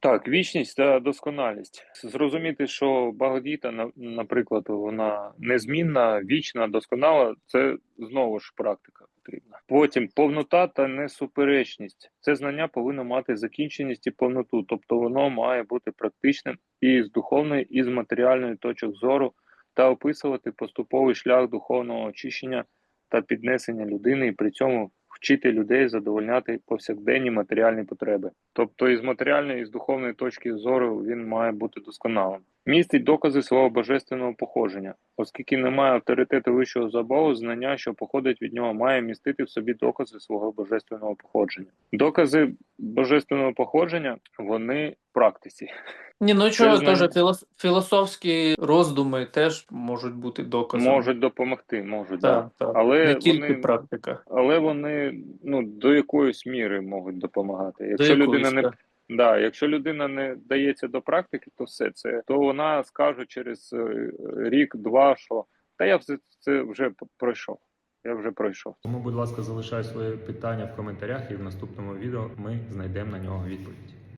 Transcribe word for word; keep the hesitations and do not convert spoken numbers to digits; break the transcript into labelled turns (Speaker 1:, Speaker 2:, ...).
Speaker 1: Так, вічність та досконалість. Зрозуміти, що Бхагавад-гіта, на- наприклад, вона незмінна, вічна, досконала, це знову ж практика потрібна. Потім повнота та несуперечність. Це знання повинно мати закінченість і повноту, тобто воно має бути практичним і з духовної, і з матеріальної точок зору, та описувати поступовий шлях духовного очищення та піднесення людини, і при цьому вчити людей задовольняти повсякденні матеріальні потреби. Тобто із матеріальної, і з духовної точки зору він має бути досконалим. Містить докази свого божественного походження. Оскільки немає авторитету вищого за Богу, знання, що походить від нього, має містити в собі докази свого божественного походження. Докази божественного походження, вони в практиці.
Speaker 2: Ні, ну
Speaker 1: Це
Speaker 2: чого,
Speaker 1: знання
Speaker 2: теж філос- філософські роздуми теж можуть бути доказами.
Speaker 1: можуть допомогти, можуть, да.
Speaker 2: Так, так.
Speaker 1: Але
Speaker 2: Не тільки
Speaker 1: вони
Speaker 2: практика.
Speaker 1: Але вони ну до якоїсь міри можуть допомагати.
Speaker 2: До
Speaker 1: Якщо людина
Speaker 2: якоїсь,
Speaker 1: не
Speaker 2: так.
Speaker 1: да, якщо людина не дається до практики, то все це, то вона скаже через е, рік-два, що та я все це вже пройшов. Я вже пройшов.
Speaker 3: Тому, будь ласка, залишай своє питання в коментарях, і в наступному відео ми знайдемо на нього відповідь.